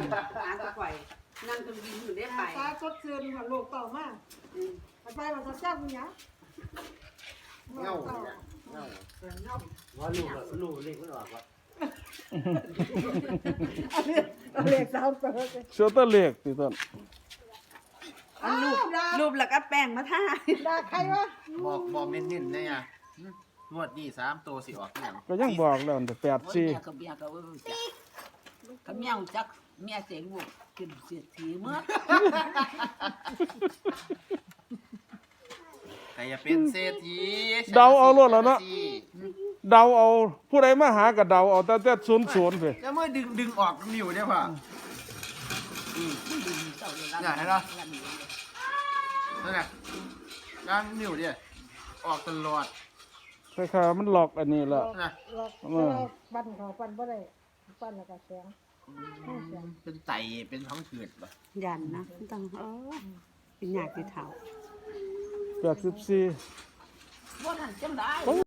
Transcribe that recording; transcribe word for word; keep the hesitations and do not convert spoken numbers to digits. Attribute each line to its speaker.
Speaker 1: ร้านตะไคร่นั่งเครื่องบินอยู่ได้ไป
Speaker 2: ตาก็เชิญกับโลกต่อมาไปเราจะแซ่บมั้ยเนี่ย
Speaker 3: เงาเนี่ยเงา
Speaker 2: เงา
Speaker 4: ว่าลูกลูกเล็กมันออกว่า
Speaker 2: เอาเล็กสาวเปิด
Speaker 5: เชื่อตะเล็กติต้น
Speaker 1: อันรูปรูปแล้วก็แป้งมาทา
Speaker 2: ด่าใครวะ
Speaker 3: บอกบอกเน้นๆเนี่ยงวดนี้สามตัวสิออกเนี่ย
Speaker 5: ก็ยังบอกแล้วแต่แปดสี่
Speaker 6: เมียกับเมียกับว่าจักกับเมียจักเมียเสียงลูกกินเสียทีเมื่อ
Speaker 3: ใครจะเป็นเศรษฐี
Speaker 5: เดาเอาโลดแล้วเนาะเดาเอาผู้ใดมาหาก็เดาเอาแต่แต่ศูนย์ศูนย์ไป
Speaker 3: แล้วเมื่อดึงดึงออกนิ้วเนี่ยป่ะ
Speaker 6: เจ้าเลย
Speaker 3: น่ะเห็นปะนั่นน่ะด้านนิ้วเนี่ยออกตลอด
Speaker 5: คล้ายๆมันหลอกอันนี้ละ
Speaker 3: นะ
Speaker 2: เราปั้นเขาปั้นบ่ได้ปั้นแล้วก็แข็ง
Speaker 3: เป็นไตเป็นท้องเกิดป่ะ
Speaker 1: ยันนะต้องเออเป็นหยาดที่เท้า
Speaker 5: แปดสิบสี่
Speaker 6: ว่านั่นจังได้